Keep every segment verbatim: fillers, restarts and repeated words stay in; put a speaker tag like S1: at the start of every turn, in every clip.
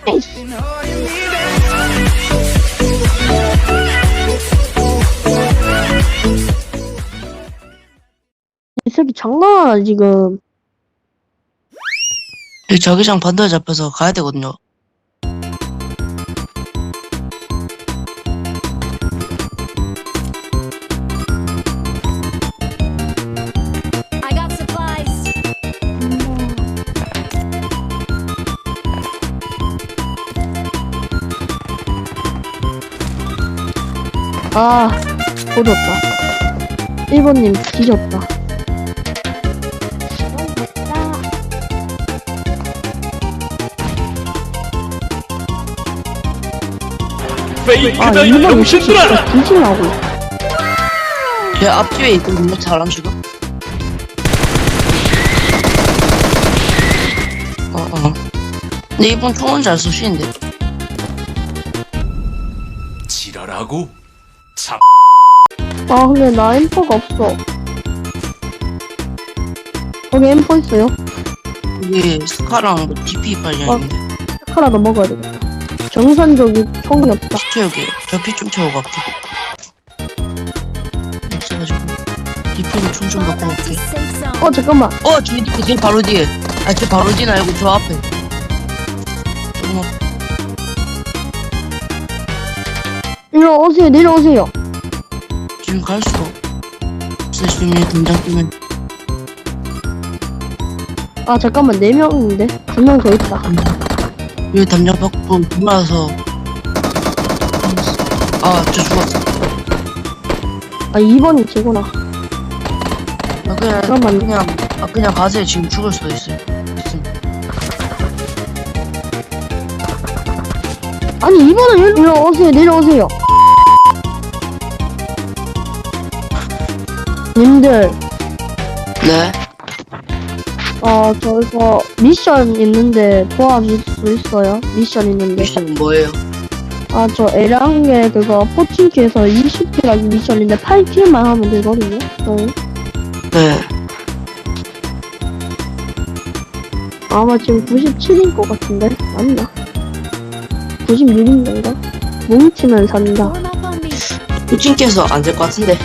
S1: 에이씨. 이 새끼 장난하나 지금.
S2: 이 자기장 반대에 잡혀서 가야 되거든요.
S3: I got supplies.
S1: 아, 조졌다. 일 번님 뒤졌다. 아,
S4: 페이크다
S1: 일 번
S4: 병신들아!
S1: 진짜 뒤질라고.
S2: 제 앞뒤에 있거든요, 사람 지금. 어, 어. 근데 이분 총은 잘 쏘시는데.
S4: 지랄하고 참.
S1: 아, 근데 나 엠퍼가 없어. 거기 엠퍼 있어요?
S2: 이게 스카랑 뭐 디피 발견인데.
S1: 카라도 먹어야 되겠다. 정상적인 총이 없다.
S2: 피 채우게. 저 피 좀 채우고 갈게. 없어가지고. 디피는 총 좀
S3: Fall
S2: 갖고
S3: back to
S2: 올게.
S3: safe zone.
S1: 어, 잠깐만.
S2: 어, 저기 뒤에, 뒤에 바로 뒤에. 아, 저 바로 뒤는 아니고 저 앞에. 조금 앞.
S1: 일로 오세요, 내려오세요.
S2: 지금 갈 수가 없어. 지금 얘 등장 뛰면.
S1: 아, 잠깐만. 네 명인데? 두 명 더 있다.
S2: 왜 담장 받고 돌아서. 아, 저 죽었어.
S1: 아, 이 번이 제구나.
S2: 아, 그냥,
S1: 잠깐만.
S2: 그냥, 아, 그냥 가세요. 지금 죽을 수도 있어요. 있음.
S1: 아니, 이 번은 일로 오세요, 내려오세요. 님들,
S2: 네.
S1: 어, 저기서 미션 있는데 도와줄 수 있어요? 미션 있는데.
S2: 미션은 뭐예요?
S1: 아, 저 에랑게 그거 포칭키에서 이십 킬하기 미션인데 팔 킬만 하면 되거든요? 저희.
S2: 네.
S1: 아마 지금 구십칠인 것 같은데? 맞나? 구십육인가? 뭉치면 산다.
S3: Form up on me.
S2: 부친께서 안 될 것 같은데.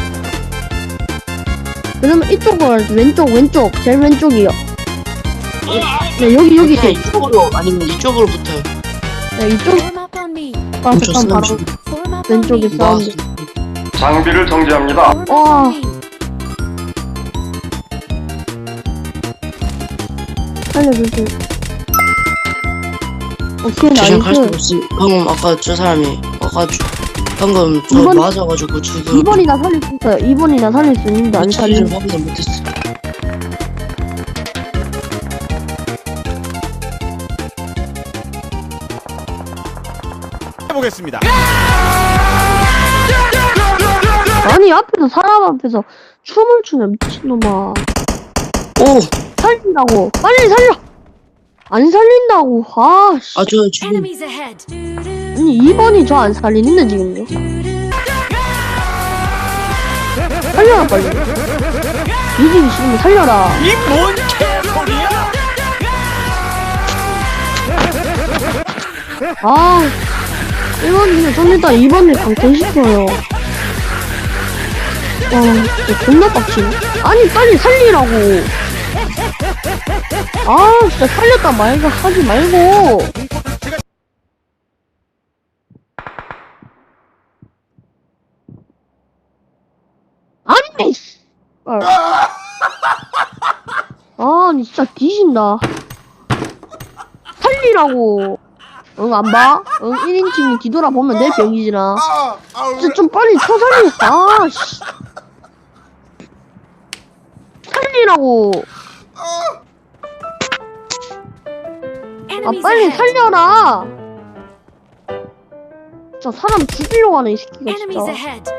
S1: 그러면 이쪽을 왼쪽 왼쪽 제일 왼쪽이요. 네 여기 여기
S2: 그냥 이쪽으로, 아니면 이쪽으로 붙어요.
S1: 네 이쪽.
S3: Form up on me.
S1: 아
S2: 멈췄어,
S1: 잠깐 바로
S2: 멈췄어.
S3: Form up on
S1: 왼쪽에
S3: me.
S1: 사운드.
S5: 장비를 정지합니다.
S3: Form up
S1: 와.
S3: on me.
S1: 살려주세요. 오케이
S2: 지금 갈 수
S1: 나이스.
S2: 없어. 방금 아까 저 사람이 와가지고 방금 저
S1: 이번-
S2: 맞아가지고 지금
S1: 이 번이나 살릴 수 있어요. 이 번이나 살릴 수 있는데 안
S2: 처리를
S1: 살리는.
S2: 확인을 못했어.
S4: 해보겠습니다.
S1: 아니 앞에서 사람 앞에서 춤을 추네 미친놈아.
S2: 오!
S1: 살린다고. 빨리 살려. 안 살린다고. 아 씨.
S2: 아, 저 지금
S3: Enemies ahead.
S1: 아니 이 번이 저 안 살리는데 지금요. 살려라 빨리. 이기기 싫으면 살려라.
S4: 이 뭔 개소리야?
S1: 아 일 번이면 좀 이따 이 번을 강퇴시켜요. 와 진짜 존나 빡치네. 아니 빨리 살리라고. 아 진짜 살렸다 말고 하지 말고. 아니 씨. 아니 진짜 뒤진다. 살리라고. 응, 안 봐? 응, 일 인칭이 뒤돌아보면 내 병이지나. 진짜 좀 빨리 쳐 살리. 아, 씨. 살리라고. 아,
S3: Enemies
S1: 빨리
S3: ahead.
S1: 살려라. 진짜 사람 죽이려고 하네, 이 새끼가
S3: Enemies
S1: 진짜.
S3: ahead.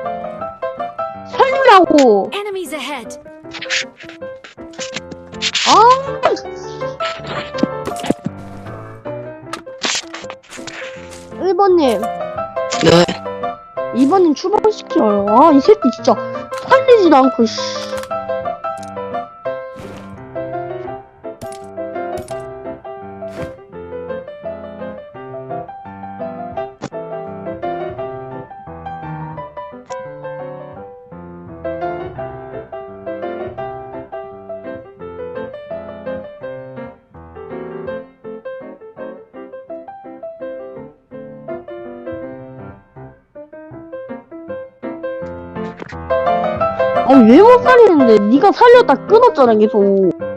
S1: 살리라고.
S3: Enemies ahead.
S1: 아, 일 번님,
S2: 네.
S1: 이 번님 추방시켜요. 아, 이 새끼 진짜 살리지도 않고, 씨. 아니 왜 못 살리는데? 네가 살렸다 끊었잖아 계속.